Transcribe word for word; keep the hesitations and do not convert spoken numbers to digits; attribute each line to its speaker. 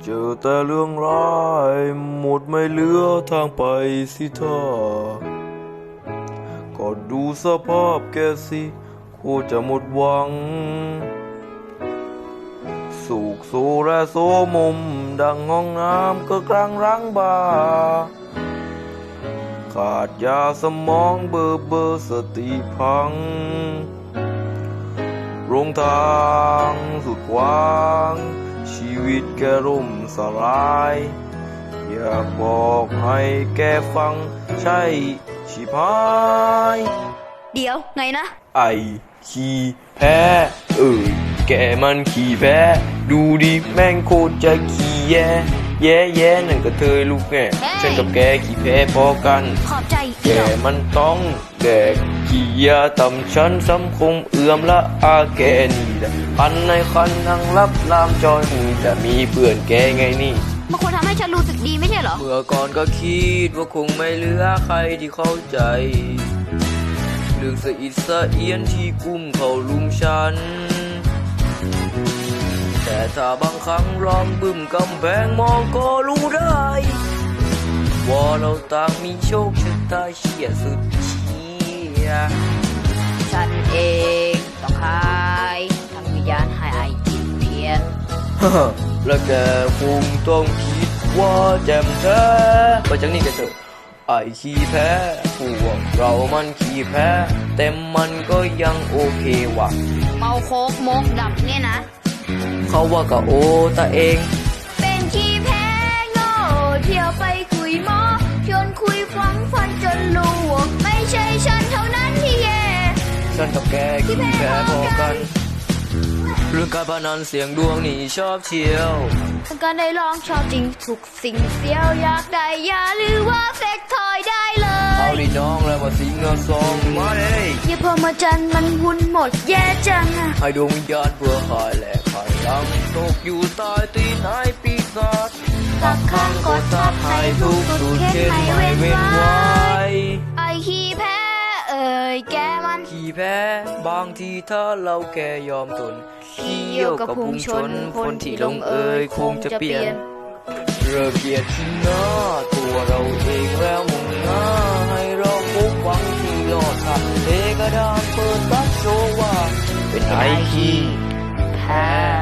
Speaker 1: เจอแต่เรื่องร้ายหมดไม่เหลือทางไปสิท่าก็ดูสภาพแกสิโคจะหมดหวังสูกโซและโซมมดังห้องน้ำก็กลางรังบาขาดยาสมองเบอร์เบอร์สติพังโรงทางสุดกว้างชีวิตแกร่มสลายอยากบอกให้แกฟังใช่ชิพาย
Speaker 2: เดี๋ยวไงนะ
Speaker 1: ไอขี้แพ้เอ้ยแกมันขี้แพ้ดูดิแม่งโคตรจะขี้แย่แย่แย่นั่นก็เธอลูกแง่ฉันกับแกขี้แพ้พอกัน
Speaker 2: ขอบใจ
Speaker 1: แกมันต้องแดกขี้ยาต่ำฉันสำคงเอื้อมละอาแกนี่แหละคันในคันนั่งรับลามจอยหูจะมีเพื่อนแกไงนี่
Speaker 2: มันควรทำให้ฉันรู้สึกดีไม่ใช่เหรอ
Speaker 1: เมื่อก่อนก็คิดว่าคงไม่เหลือใครที่เข้าใจเรื่องสะอิดสะเอียนที่กุ้มเข้าลุมฉันแต่ถ้าบางครั้งลองบึ้มกำแพงมองก็รู้ได้ว่าเราต่างมีโชคชะตาเฉียดสุดเฉียด
Speaker 2: ฉันเองต้องหายทำวิญญาณให้ไอ้จิตเพียน
Speaker 1: แล้วแกคงต้องคิดว่าแจ่มแท้ไปจากนี้กันเถอะไอ้ขี้แพ้พวกเรามันขี้แพ้แต่มันก็ยังโอเคว่ะ
Speaker 2: เมาโคกมกดับเนี่ยนะ
Speaker 1: เขาว่าก็โอตาเอง
Speaker 2: เป็นขี้แพ้โง่เที่ยวไปคุยหมอชวนคุยฟังฟันจนรู้ว่าไม่ใช่ฉันเท่านั้นที่แย่
Speaker 1: ฉันกับแกขี้แพ้พอกันเรื่องการพนันเสียงดวงนี่ชอบเชียว
Speaker 2: การได้ลองชอบจริงทุกสิ่งเสียวอยากได้ยาหรือว่าเฟกทอยได้เลย
Speaker 1: เอาดิน้องแล้วมาสิงเงาซองมาเลย
Speaker 2: อย่าพอมาจันมันวุ่นหมดแย่จังอะ
Speaker 1: ให้ดวงวิญญาณเพื่อขายแหลกขายลังตกอยู่ใต้ตีนไอ้ปีศาจ
Speaker 2: ตักข้างกดทับให้ทุกสุดเข็นไม่เว้นไว้ไอ้ขี้แพ้เอ่ยแกมัน
Speaker 1: ขี้แพ้บางทีถ้าเราแค่ยอมทนขี้เยี่ยวกับพุงชนคนที่ลงเอ่ยคงจะเปลี่ยนเริ่มเกลียดที่หน้าตัวเราเองแล้วมุ่งหน้าให้เราพบหวังที่รอดทางเทกระดานเปิดตัดโชว์ว่าเป็นไอ้ขี้แพ้